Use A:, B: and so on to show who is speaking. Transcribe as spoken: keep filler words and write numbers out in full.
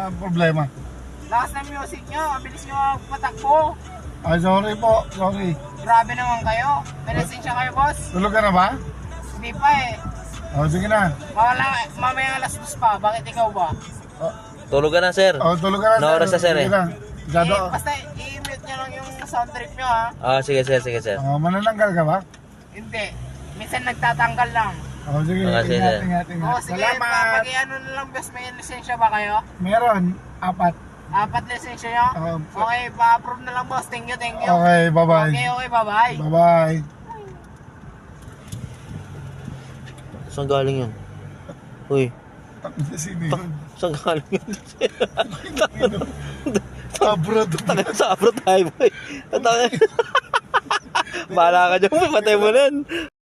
A: problema?
B: Lakas ng music nyo, mabilis nyo patakbo.
A: Ay, sorry po, sorry.
B: Grabe naman kayo. May lisensya kayo, boss?
A: Tulog ka na ba?
B: Hindi pa eh.
A: O, sige na.
B: Mawala, mamaya alas dos pa. Bakit ikaw ba?
A: O,
C: Tulog ka na, sir.
A: o tulog ka na.
C: Na oras na, sir,
A: Sige
C: eh.
A: na. Gado.
B: Eh, basta i-mute nyo lang yung sound trip nyo ha.
C: Ah, sige, sir, sige, sir.
A: O, manananggal ka ba?
B: Hindi. Minsan nagtatanggal lang.
A: O, sige.
C: Ah, sige.
A: Ingat, ingat, ingat.
B: Oo, sige.
A: Salamat.
B: Pag-iano na lang, boss. May lisensya ba kayo?
A: Meron. Apat.
B: Apat lisensya nyo?
A: Um,
B: Okay, pa-approve na lang, boss. Thank you, thank you.
A: Okay, bye-bye.
B: Okay, okay, bye-bye.
A: Bye-bye.
C: Saan galing yun? Uy,
A: Tapos na sino yun?
C: saan galing yun?
A: Abroad.
C: Taga sa abroad tayo, boy. Bahala ka dyan, patay mo na yan.